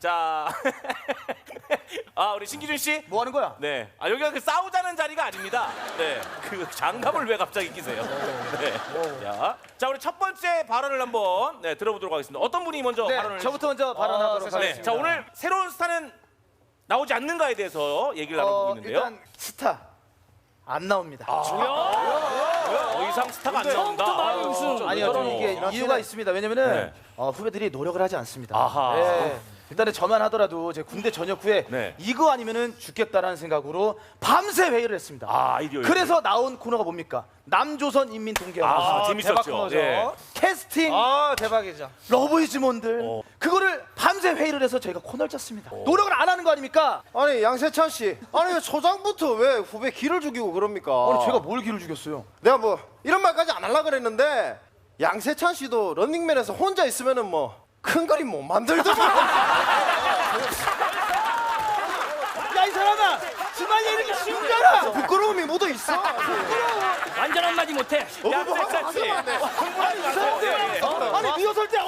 자, 우리 신기준 씨. 뭐 하는 거야? 네. 여기가 그 싸우자는 자리가 아닙니다. 네. 그 장갑을 왜 갑자기 끼세요? 네. 자, 우리 첫 번째 발언을 한번 들어보도록 하겠습니다. 어떤 분이 먼저 발언을? 저부터 먼저 발언하도록 하겠습니다. 네. 자, 오늘 새로운 스타는 나오지 않는가에 대해서 얘기를 나눠보고 있는데요. 일단 스타 안 나옵니다. 더 이상 스타가 안 나온다. 아니요, 좀 이게 이유가 있습니다. 왜냐면은 후배들이 노력을 하지 않습니다. 아하. 네. 일단은 저만 하더라도 제 군대 전역 후에 이거 아니면은 죽겠다라는 생각으로 밤새 회의를 했습니다. 아이디어. 그래서 나온 코너가 뭡니까? 남조선 인민동계화. 재밌었죠. 대박 코너죠. 예. 캐스팅. 대박이죠. 러브이즈몬들. 그거를 밤새 회의를 해서 저희가 코너를 짰습니다. 노력을 안 하는 거 아닙니까? 아니 양세찬 씨, 아니 왜 초장부터 왜 후배 기를 죽이고 그럽니까? 아니 제가 뭘 기를 죽였어요? 내가 뭐 이런 말까지 안 하려고 그랬는데 양세찬 씨도 런닝맨에서 혼자 있으면은 뭐 큰 그림 못 만들더만. 야 이 사람아! 주말에 이렇게 쉬운 줄 알아! 부끄러움이 묻어 있어. 완전 한마디 못해. 양세찬 씨. 아니 리허설 때